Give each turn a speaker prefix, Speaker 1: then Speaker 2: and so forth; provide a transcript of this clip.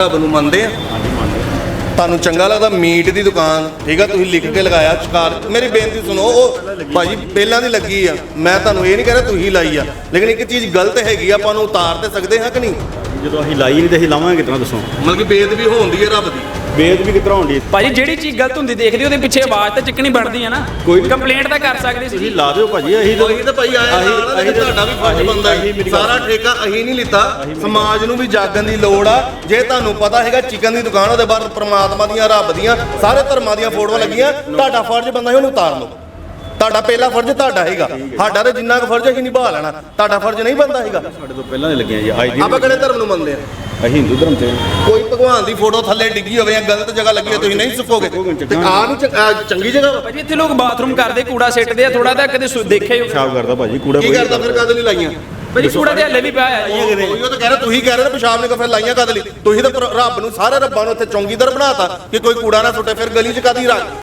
Speaker 1: ਰੱਬ ਨੂੰ ਮੰਨਦੇ ਆ? ਤੁਹਾਨੂੰ ਚੰਗਾ ਲੱਗਦਾ ਮੀਟ ਦੀ ਦੁਕਾਨ, ਠੀਕ ਆ, ਤੁਸੀਂ ਲਿਖ ਕੇ ਲਗਾਇਆ ਸ਼ਿਕਾਰ। ਮੇਰੀ ਬੇਨਤੀ ਸੁਣੋ, ਉਹ ਭਾਜੀ ਪਹਿਲਾਂ ਦੀ ਲੱਗੀ ਆ, ਮੈਂ ਤੁਹਾਨੂੰ ਇਹ ਨਹੀਂ ਕਹਿ ਰਿਹਾ ਤੁਸੀਂ ਲਾਈ ਆ, ਲੇਕਿਨ ਇੱਕ ਚੀਜ਼ ਗਲਤ ਹੈਗੀ ਆ, ਆਪਾਂ ਉਹਨੂੰ ਉਤਾਰ ਤੇ ਸਕਦੇ ਹਾਂ ਕਿ ਨਹੀਂ?
Speaker 2: ਜਦੋਂ ਅਸੀਂ ਲਾਈ ਨਹੀਂ ਤੇ ਅਸੀਂ ਲਾਵਾਂਗੇ ਕਿਤਨਾ ਦੱਸੋ?
Speaker 1: ਮਤਲਬ ਕਿ ਬੇਅਦਬੀ ਹੋਣਦੀ ਹੈ ਰੱਬ ਦੀ।
Speaker 2: ਬੇਅਦਬੀ ਕਿਤਨਾ ਹੋਣੀ?
Speaker 3: ਭਾਜੀ ਜਿਹੜੀ ਚੀਜ਼ ਗਲਤ ਹੁੰਦੀ ਦੇਖਦੇ ਉਹਦੇ ਪਿੱਛੇ ਆਵਾਜ਼ ਤਾਂ ਚੱਕਣੀ ਬਣਦੀ ਹੈ ਨਾ।
Speaker 2: ਕੋਈ
Speaker 3: ਕੰਪਲੇਂਟ ਤਾਂ ਕਰ ਸਕਦੇ ਸੀ।
Speaker 2: ਤੁਸੀਂ ਲਾ ਦਿਓ ਭਾਜੀ। ਅਸੀਂ
Speaker 1: ਤਾਂ ਭਾਈ ਆਇਆ ਨਾਲ ਤੁਹਾਡਾ ਵੀ ਫਰਜ਼ ਬਣਦਾ ਹੈ। ਸਾਰਾ ਠੇਕਾ ਅਸੀਂ ਨਹੀਂ ਲਿੱਤਾ, ਸਮਾਜ ਨੂੰ ਵੀ ਜਾਗਣ ਦੀ ਲੋੜ ਆ। ਜੇ ਤੁਹਾਨੂੰ ਪਤਾ ਹੈਗਾ ਚਿਕਨ ਦੀ ਦੁਕਾਨ, ਉਹਦੇ ਬਾਹਰ ਪ੍ਰਮਾਤਮਾ ਦੀਆਂ, ਰੱਬ ਦੀਆਂ, ਸਾਰੇ ਧਰਮਾਂ ਦੀਆਂ ਫੋਟੋਆਂ ਲੱਗੀਆਂ, ਤੁਹਾਡਾ ਫਰਜ਼ ਬਣਦਾ ਹੈ ਉਹਨੂੰ ਉਤਾਰ ਲਓ। ਤੁਹਾਡਾ ਪਹਿਲਾ ਫਰਜ਼ ਤੁਹਾਡਾ ਹੈਗਾ, ਸਾਡਾ ਤੇ ਜਿੰਨਾ ਕੁ ਫਰਜ਼ ਅਸੀਂ ਨਿਭਾ ਲੈਣਾ, ਤੁਹਾਡਾ ਫਰਜ਼ ਨਹੀਂ ਬਣਦਾ ਹੈਗਾ।
Speaker 2: ਸਾਡੇ ਤੋਂ ਪਹਿਲਾਂ ਦੇ ਲੱਗੀਆਂ ਜੀ।
Speaker 1: ਆਪਾਂ ਕਿਹੜੇ ਧਰਮ ਨੂੰ ਮੰਨਦੇ ਆ?
Speaker 2: ਅਸੀਂ ਹਿੰਦੂ ਧਰਮ ਤੇ।
Speaker 1: ਕੋਈ ਭਗਵਾਨ ਦੀ ਫੋਟੋ ਥੱਲੇ ਡਿੱਗੀ ਹੋਵੇ ਜਾਂ ਗਲਤ ਜਗ੍ਹਾ ਲੱਗੀ ਹੋਵੇ, ਤੁਸੀਂ ਨਹੀਂ ਸੁੱਕੋਗੇ ਤੇ ਆਹ ਨੂੰ ਚੰਗੀ ਜਗ੍ਹਾ ਵਾ।
Speaker 3: ਭਾਜੀ ਇੱਥੇ ਲੋਕ ਬਾਥਰੂਮ ਕਰਦੇ, ਕੂੜਾ ਸਿੱਟਦੇ ਆ, ਥੋੜਾ ਤਾਂ ਕਦੇ ਦੇਖਿਆ ਹੀ
Speaker 2: ਪਿਸ਼ਾਬ ਕਰਦਾ ਭਾਜੀ ਕੂੜਾ।
Speaker 1: ਕੀ ਕਰਦਾ ਫਿਰ? ਕਦ ਲਈ ਲਾਈਆਂ
Speaker 3: ਭਾਜੀ? ਕੂੜਾ ਤੇ ਹੱਲੇ ਵੀ ਪਿਆ ਹੈ।
Speaker 1: ਉਹ ਤਾਂ ਕਹਿ ਰਹੇ, ਤੁਸੀਂ ਕਹਿ ਰਹੇ ਪਿਸ਼ਾਬ ਨੇ ਫਿਰ ਲਾਈਆਂ ਕਦ ਲਈ? ਤੁਸੀਂ ਤਾਂ ਰੱਬ ਨੂੰ, ਸਾਰੇ ਰੱਬਾਂ ਨੂੰ ਇੱਥੇ ਚੌਂਕੀਦਾਰ ਬਣਾਤਾ ਕਿ ਕੋਈ ਕੂੜਾ ਨਾ ਸੁੱਟੇ, ਫਿਰ ਗਲੀ 'ਚ ਕਾਦੀ ਰੱਖ